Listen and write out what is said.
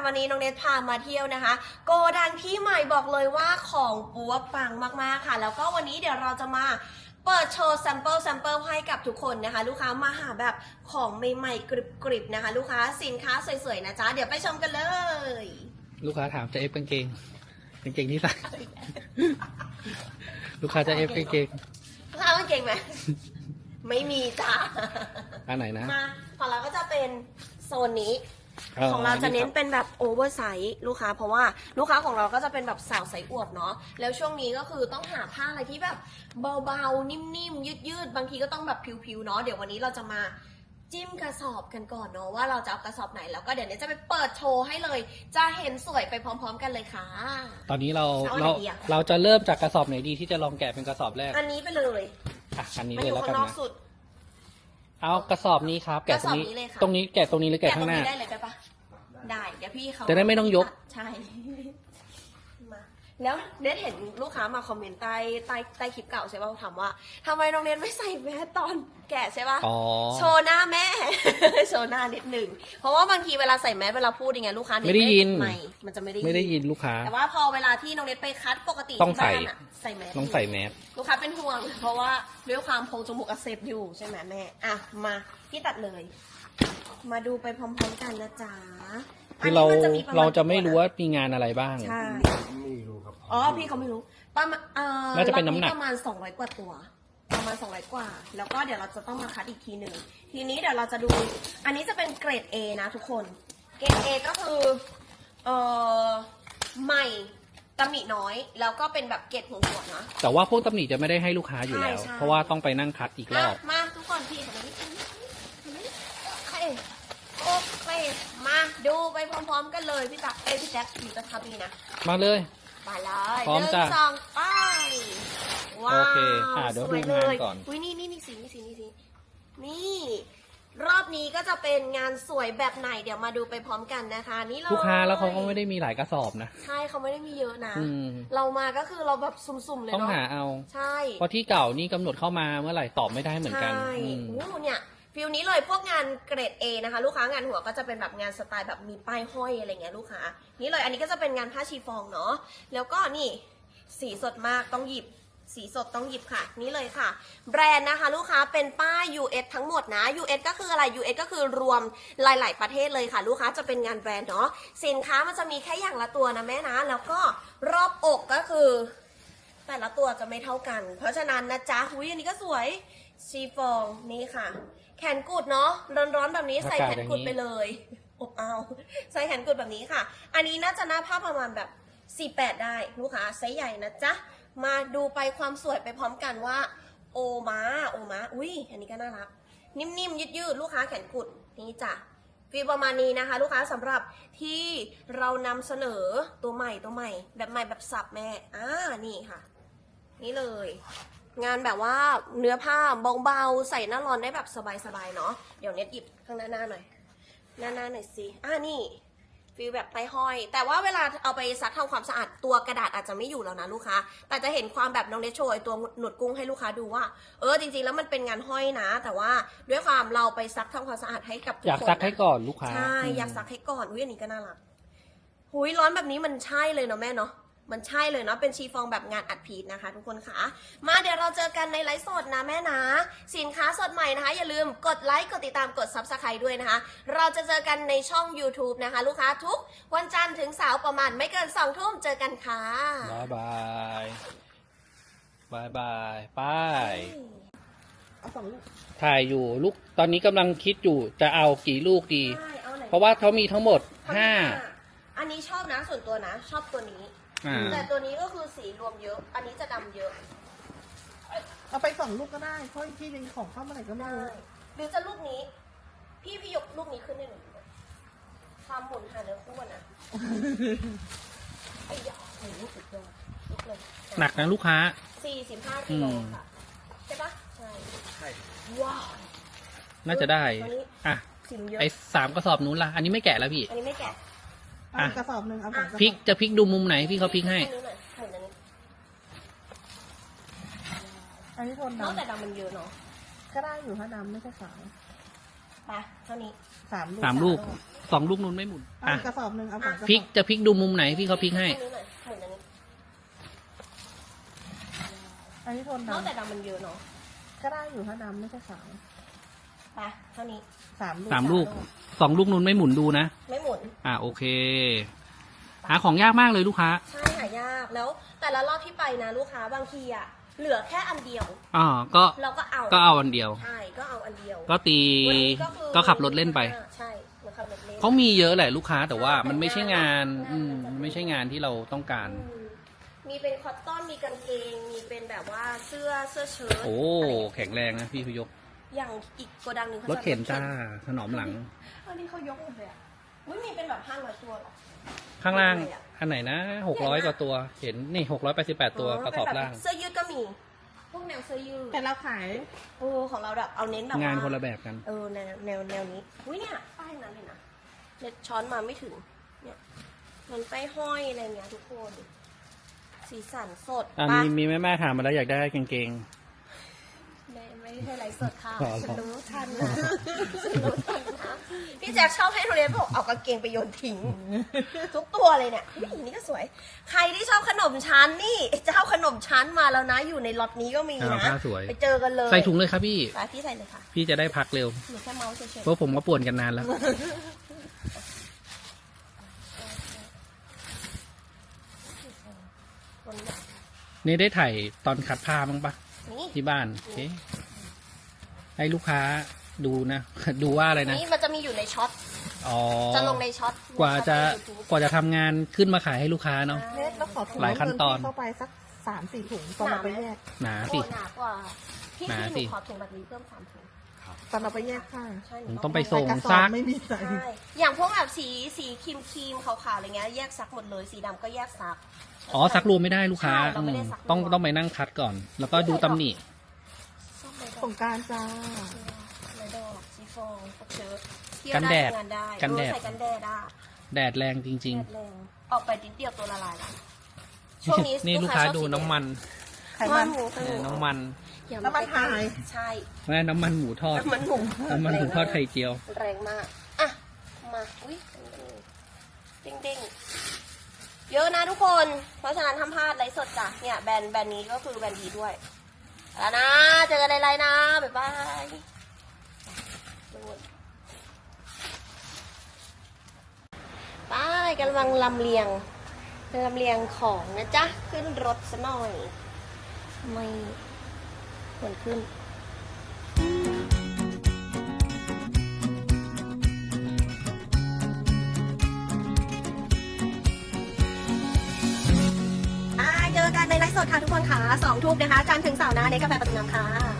วันนี้น้องเนทพามาเที่ยวนะคะโกดังที่ใหม่บอกเลยว่าของปัวปังมากๆค่ะแล้วก็วันนี้เดี๋ยวเราจะมาเปิดโชว์แซมเปิลให้กับทุกคนนะคะลูกค้ามาหาแบบของใหม่ๆกริบๆนะคะลูกค้าสินค้าสวยๆนะจ๊ะเดี๋ยวไปชมกันเลยลูกค้าถามจะเอฟกางเกงที่ใส่ ลูกค้าจะเอฟกางเกงลูกค้ากางเกงไหม ไม่มีจ้าอันไหนนะมาของเราก็จะเป็นโซนนี้ของเราจะเน้นเป็นแบบโอเวอร์ไซส์ลูกค้าเพราะว่าลูกค้าของเราก็จะเป็นแบบสาวไซส์อวบเนาะแล้วช่วงนี้ก็คือต้องหาผ้าอะไรที่แบบเบาๆนิ่มๆยืดๆบางทีก็ต้องแบบผิวๆเนาะเดี๋ยววันนี้เราจะมาจิ้มกระสอบกันก่อนเนาะว่าเราจะเอากระสอบไหนแล้วก็เดี๋ยวนี้จะไปเปิดโชว์ให้เลยจะเห็นสวยไปพร้อมๆกันเลยค่ะตอนนี้เราเอาไหนดีอะเราจะเริ่มจากกระสอบไหนดีที่จะลองแกะเป็นกระสอบแรกอันนี้ไปเลยอ่ะอันนี้มันเลอย ยู่แล้วกัข้าน งนอกนะสุดเอากระสอบนี้ครับแกะตรงนี้กระสอบนี้เลยค่ะตรงนี้แกะตรงนี้หรือแกะแกะตรข้าง งหน้านี้ได้เลยได้ปะได้เดี๋ยวพี่เขาจะได้ไม่ต้องยกใช่ มาแล้วเน็ตเห็นลูกค้ามาคอมเมนต์ใต้คลิปเก่าใช่ป่ะถามว่าทำไมน้องเน็ตไม่ใส่แมสตอนแกะใช่ป่ะอ๋อโชว์หน้าแม่ โชว์หน้านิดหนึ่งเพราะว่าบางทีเวลาใส่แมสเวลาพูดยังไงลูกค้าไม่ได้ยินไม่มันจะไม่ได้ไม่ได้ยินลูกค้าแต่ว่าพอเวลาที่น้องเน็ตไปคัดปกติต้องที่บ้านอะใส่แมสต้องใส่แมสลูกค้าเป็นห่วง เพราะว่าด้วยความโพรงจมูกอักเสบอยู่ใช่ไหมแม่อ่ะมาพี่ตัดเลย มาดูไปพร้อมๆกันนะจ๊ะคือเรานนี้นปณเราจะไม่รู้ว่ามีงานอะไรบ้างใช่ไม่รู้ครับอ๋อพี่เขาไม่รู้ประมาณน่าจะเป็นน้ำหนักประมาณ200กว่าตัวประมาณ200กว่า แล้วก็เดี๋ยวเราจะต้องมาคัดอีกทีหนึ่งทีนี้เดี๋ยวเราจะดู อันนี้จะเป็นเกรด A นะทุกคนเกรด A ก็คือใหม่ตำหนิน้อย แล้วก็เป็นแบบเกรดหัวๆนะแต่ว่าพวกตำหนิจะไม่ได้ให้ลูกค้าอยู่แล้วใช่เพราะว่าต้องไปนั่งคัดอีกรอบมาทุกคนพี่ทำไมไม่โอเคมาดูไปพร้อมๆกันเลยพี่ตั๊กพี่แจ๊คอยู่จะทำนี่นะมาเลยไปเลยพร้อมจ้ะ 1 2ไปว้าวโอเคเดี๋ยวสดูงานก่อนอุ้ยนี่สีนี่รอบนี้ก็จะเป็นงานสวยแบบไหนเดี๋ยวมาดูไปพร้อมกันนะคะนี่เลยลูกค้าแล้วเขาก็ไม่ได้มีหลายกระสอบนะใช่เขาไม่ได้มีเยอะนะอืมเรามาก็คือเราแบบสุ่มๆเลยต้องเนาะหาเอาใช่เพราะที่เก่านี่กำหนดเข้ามาเมื่อไหร่ตอบไม่ได้เหมือนกันใช่อืมโอ้เนี่ยฟิลนี้เลยพวกงานเกรด A นะคะลูกค้างานหัวก็จะเป็นแบบงานสไตล์แบบมีป้ายห้อยอะไรเงี้ยลูกค้านี่เลยอันนี้ก็จะเป็นงานผ้าชีฟองเนาะแล้วก็นี่สีสดมากต้องหยิบสีสดต้องหยิบค่ะนี่เลยค่ะ แบรนด์นะคะลูกค้าเป็นป้าย US ทั้งหมดนะ US ก็คืออะไร US ก็คือรวมหลาย ๆ ประเทศเลยค่ะ ลูกค้าจะเป็นงานแบรนด์เนาะสินค้ามันจะมีแค่อย่างละตัวนะแม่นะแล้วก็รอบอกก็คือ แต่ละตัวจะไม่เท่ากัน เพราะฉะนั้นนะจ๊ะหุยอันนี้ก็สวยชีฟองนี่ค่ะ แขนกุดเนาะร้อนๆแบบนี้ใส่แขนกุดไปเลยอบเอาใส่แขนกุดแบบนี้ค่ะ อันนี้น่าจะหน้าผ้าประมาณแบบ48ได้ลูกค้าไซส์ใหญ่นะจ๊ะมาดูไปความสวยไปพร้อมกันว่าโอมาอุ้ยอันนี้ก็น่ารักนิ่มๆยืดๆลูกค้าแขนกุดนี่จ้ะฟีลประมาณนี้นะคะ ลูกค้าสำหรับที่เรานำเสนอตัวใหม่แบบใหม่แบบสับแม่นี่ค่ะ นี่เลย งานแบบว่าเนื้อผ้าเบาๆใส่หน้าร้อนได้แบบสบายๆเนาะเดี๋ยวเน็ตหยิบข้างหน้าหน่อยหน้าหน่อยสินี่ฟีลแบบไต้ห้อย แต่ว่าเวลาเอาไปซักทำความสะอาดตัวกระดาษอาจจะไม่อยู่แล้วนะลูกค้าแต่จะเห็นความแบบน้องเนทโชว์ไอ้ตัวหนวดกุ้งให้ลูกค้าดูว่าจริงๆแล้วมันเป็นงานห้อยนะ แต่ว่าด้วยความเราไปซักทำความสะอาดให้กับทุกคนอยากซักให้ก่อนลูกค้าใช่อยากซักให้ก่อนอุ้ยอันนี้ก็น่ารักหุยร้อนแบบนี้มันใช่เลยเนาะแม่เนาะมันใช่เลยเนาะเป็นชีฟองแบบงานอัดพีทนะคะทุกคนค่ะมาเดี๋ยวเราเจอกันในไลฟ์สดนะแม่นะสินค้าสดใหม่นะคะอย่าลืมกดไลค์กดติดตามกด Subscribe ด้วยนะคะเราจะเจอกันในช่อง YouTube นะคะลูกค้าทุกวันจันทร์ถึงเสาร์ประมาณไม่เกิน2 ทุ่มเจอกันค่ะบายบายไปเอา2 ลูกถ่ายอยู่ลูกตอนนี้กำลังคิดอยู่จะเอากี่ลูกดีใช่เอาไหนเพราะว่าเขามีทั้งหมดห้าอันนี้ชอบนะส่วนตัวนะชอบตัวนี้ แต่ตัวนี้ก็คือสีรวมเยอะ อันนี้จะดำเยอะเอาไป2 ลูกก็ได้ เพราะที่เป็นของเข้ามาไหนก็ไม่ได้รู้หรือจะลูกนี้ พี่ยกลูกนี้ขึ้นให้หนูดูหน่อยความหมุนหาเนื้อคู่อะนะไอ้ยาโอ้โหสุดยอดลุกเลยหนักนะลูกค้า 45 กิโลค่ะ ใช่ปะใช่ ว้าวน่าจะได้ตัวนี้อ่ะสีมันเยอะไอ้3กระสอบนู้นล่ะ อันนี้ไม่แกะแล้วพี่อันนี้ไม่แกะเอาอีกกระสอบหนึ่งเอา2 กระสอบพลิกจะพลิกดูมุมไหนพี่เขาพลิกให้อันนี้หน่อยหมุนอันนี้อันนี้โทนนอกแต่ดำดำมันเยอะเนาะก็ได้อยู่ถ้าดำไม่ใช่ขาวไปเท่านี้ 3 ลูก 3 ลูก2 ลูกนู้นไม่หมุนเอาอ่ะอีกกระสอบหนึ่งเอาสองกระสอบพลิกจะพลิกดูมุมไหนพี่เขาพลิกให้เท่านี้หน่อยหมุนอันนี้อันนี้โทนนอกแต่ดำดำมันเยอะเนาะก็ได้อยู่ถ้าดำไม่ใช่ขาวไปเท่านี้ 3 ลูก 3 ลูก2 ลูกนู้นไม่หมุนดูนะไม่หมุนโอเค หาของยากมากเลยลูกค้าใช่หายากแล้วแต่ละรอบที่ไปนะลูกค้าบางทีอะเหลือแค่อันเดียวก็เราก็เอาก็เอาอันเดียวใช่ก็เอาอันเดียวก็ตีวันนี้คือก็ขับรถเล่นไปใช่เหมือนขับรถเล่นเขามีเยอะแหละลูกค้าแต่ว่ามันไม่ใช่งานไม่ใช่งานที่เราต้องการอืมมีเป็นคอตตอนมีกางเกงมีเป็นแบบว่าเสื้อเชิ้ตโอ้ะไรอย่างเงี้ยแข็งแรงนะพี่พยกอย่างอีกโกดังหนึ่งรถเข็นจ้าถนอมหลังอันนี้เขายกหมดเลยอ่ะอุ้ยมีเป็นแบบ500ตัวเหรอข้างล่างเลยอะอันไหนนะ600กว่าตัว เห็นนี่688ตัวกระสอบล่างเสื้อยืดก็มี พวกแนวเสื้อยืดแต่เราขายของเราแบบเอาเน้นแบบว่งานคนละแบบกันแนวนี้อุ้ยเนี่ยป้ายนั้นเลยนะเน็ตช้อนมาไม่ถึงเนี่ยมันป้ายห้อยอะไรเงี้ยทุกคนสีสันสดมีปะมีแม่ถามมาแล้วอยากได้กางเกงไม่ใช่ไลฟ์สดค่ะอ๋อฉันรู้ทันนะฉันรู้ทันนะพี่แจ็คชอบให้โรงเรียนบอกเอากางเกงไปโยนทิ้ง ทุกตัวเลยเนี่ยอุ๊ยนี่ก็สวย ใครที่ชอบขนมชั้นนี่เจ้าขนมชั้นมาแล้วนะ อยู่ในล็อตนี้ก็มีนะผ้าสวยไปเจอกันเลยใส่ถุงเลยครับพี่ไปพี่ใส่เลยค่ะพี่จะได้พักเร็วหนูแค่เมาส์เฉยเพราะผมก็ป่วนกันนานแล้วๆคนแบบนี่ได้ถ่ายตอนขัดผ้าบ้างปะนี่ที่บ้านโอเคให้ลูกค้าดูนะ ดูว่าอะไรนะนี่มันจะมีอยู่ในช็อตอ๋อจะลงในช็อตกว่าจะใน YouTube กว่าจะทำงานขึ้นมาขายให้ลูกค้าเนาะเน็ตแล้วขอถุงหลายขั้นตอนเพิ่มที่เข้าไปสัก3-4 ถุงตอนเราไปแยกหนาโอ้สิหนากว่าพี่หนาพี่หสินูขอถุงแบบนี้เพิ่ม3 ถุงตอนเราไปแยกผ้าใช่หผมนูต้องไปส่งกระสอซับกไม่มีใส่ใช่อย่างพวกแบบสีครีมขาวๆอะไรเงี้ยแยกซักหมดเลยสีดำก็แยกซักอ๋อซักรวมไม่ได้ลูกค้าใช่เราไม่ได้ซักรวมต้องไปนั่งคัดก่อน แล้วก็ดูตำหนิส้มใบดสอกงกรารจ้าใบดอกสีฟองพวกเชิ้ตที่กันแดดงานได้กันแดดใส่กันแดดได้แดดแรงจริงแดดแรงออกไปนิดเดียวตัวละลายละช่วงนี้ๆ นี่ลูกค้าชอบดูสีแดงน้ำมันไขมันหมูไข่หมูน้ำมันอย่าน้ำมันหายใช่แม่น้ำมันหมูทอดน้ำมันหมูน้ำมันหมูทอดไข่เจียวแรงมากอ่ะมาอุ้ยเด้งๆเยอะนะทุกคน เพราะฉะนั้นทำพลาดไลฟ์สดจ้ะเนี่ยแบรนด์นี้ก็คือแบรนด์ดีด้วยแล้วนะเจอกันในไลน์นะบ๊ายบายไปกำลังลำเลียงของนะจ๊ะ ขึ้นรถซะหน่อย ไม่ควรขึ้น เจอกันในไลฟ์สดค่ะทุกคนค่ะ2 ทุ่มนะคะจันทร์ถึงเสาร์นะในกาแฟประตูน้ำค่ะ